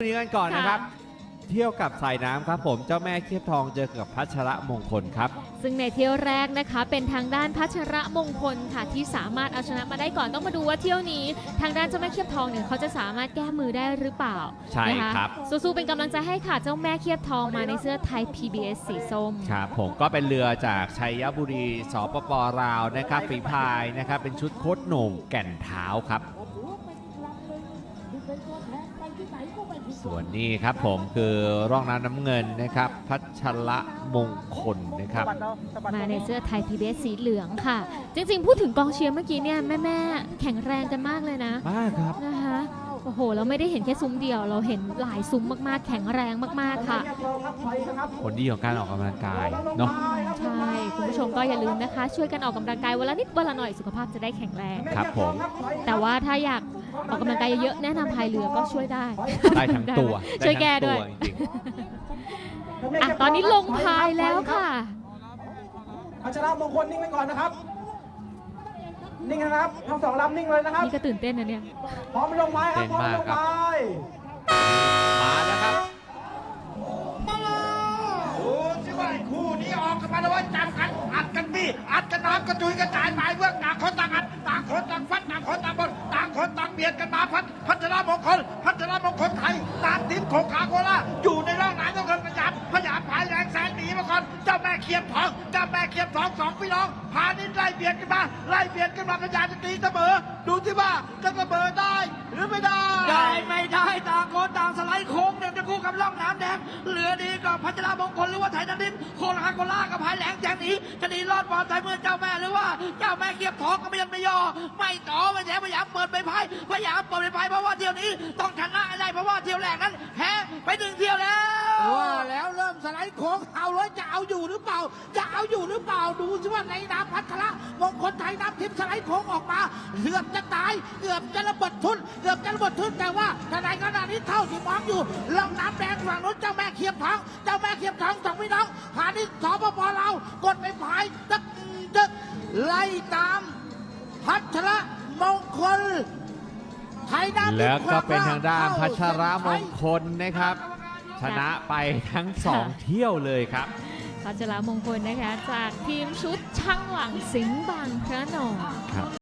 นี้กันก่อนนะครับเที่ยวกับสายน้ำครับผมเจ้าแม่เคียบทองเจอกับพัชระมงคลครับซึ่งในเที่ยวแรกนะคะเป็นทางด้านพัชระมงคลค่ะที่สามารถเอาชนะมาได้ก่อนต้องมาดูว่าเที่ยวนี้ทางด้านเจ้าแม่เคียบทองเนี่ยเขาจะสามารถแก้มือได้หรือเปล่าใช่ครับสู้ๆเป็นกำลังใจให้ค่ะเจ้าแม่เคียบทองมาในเสื้อไทย PBS สีส้มครับผมก็เป็นเรือจากชัยบุรีสปป.ลาวนะครับฝีพายนะครับเป็นชุดโคตรโหน่งแก่นเท้าครับส่วนนี้ครับผมคือร่องน้ำเงินนะครับพัชระมงคลนะครับมาในเสื้อไทย PBS สีเหลืองค่ะจริงๆพูดถึงกองเชียร์เมื่อกี้เนี่ยแม่ๆแข็งแรงกันมากเลยนะมากครับนะคะโอ้โหเราไม่ได้เห็นแค่ซุ้มเดียวเราเห็นหลายซุ้มมากๆแข็งแรงมากๆค่ะผลดีของการออกกำลังกายเนาะใช่คุณผู้ชมก็อย่าลืมนะคะช่วยกันออกกำลังกายวันละนิดวันละหน่อยสุขภาพจะได้แข็งแรงครับผมแต่ว่าถ้าอยากออกกำลังกายเยอะๆแนะนำพายเรือก็ช่วยได้ทั้งตัวช่วยแก้ด้วยตอนนี้ลงพายแล้วค่ะพัชระมงคลนิ่งไว้ก่อนนะครับนิ่งนะครับทั้งสองลำนิ่งเลยนะครับนี่ก็ตื่นเต้นนะเนี่ยพร้อมลงไม้ครับพร้อมลงไม้มาแล้วครับดูสิว่าคู่นี้ออกกันมาแล้วว่าจับกันอัดกันบี้อัดกันน้ำกระจุยกระจายไปเพื่อต่างคนต่างอัดต่างคนต่างฟัดต่างคนต่างบนต่างคนต่างเบียดกันมาพัชระมงคลไทยตามทีมของคาโคล่าอยู่ในร่องน้ำต้องเดินพยายามพายแรงแซงหนีมาก่อนเจ้าแม่เคียบทองสองพี่น้องพานิดไล่เบียดกันมาพยายามจะตีเสมอดูสิว่าจะเสมอได้หรือไม่ได้ไม่ได้ต่างคนต่างสไลด์โค้งเนี่ยจะคู่กับร่องน้ำแดงเหลือดีกับพัชระมงคลหรือว่าไทยนันดินโคลากับพายแหลงแจงหนีจะหนีรอดปลอดภัยเมื่อเจ้าแม่หรือว่าเจ้าแม่เคียบทองก็ไม่ยันไม่ย่อไม่ต่อไม่แถมพยายามเปิดไปพายเพราะว่าเที่ยวนี้ต้องชนะได้เพราะว่าเที่ยวแรกนั้นแพ้ไป1เที่ยวแล้วว่าแล้วเริ่มสไลด์โค้งเอาเลยจะเอาอยู่หรือเปล่าดูสิว่าในน้ำพัชระมงคลไทยน้ำทิพย์สไลด์โค้งออกมาเกือบจะตายเกือบจะระเบิดทุนแต่ว่าทนายขนาดนี้เท่าที่มองอยู่ล่องน้ำแดงฝั่งนู้นเจ้าแม่เคียบทองสองพี่น้องผ่านที่สปป.ลาวกดไปพายตึกไล่ตามพัชระมงคลไทยน้ำแล้วก็เป็นทางด้านพัชระมงคลนะครับชนะไปทั้ง2เที่ยวเลยครับพัชระมงคลนะคะจากทีมชุดช่างหลังสิงห์บางพระนอง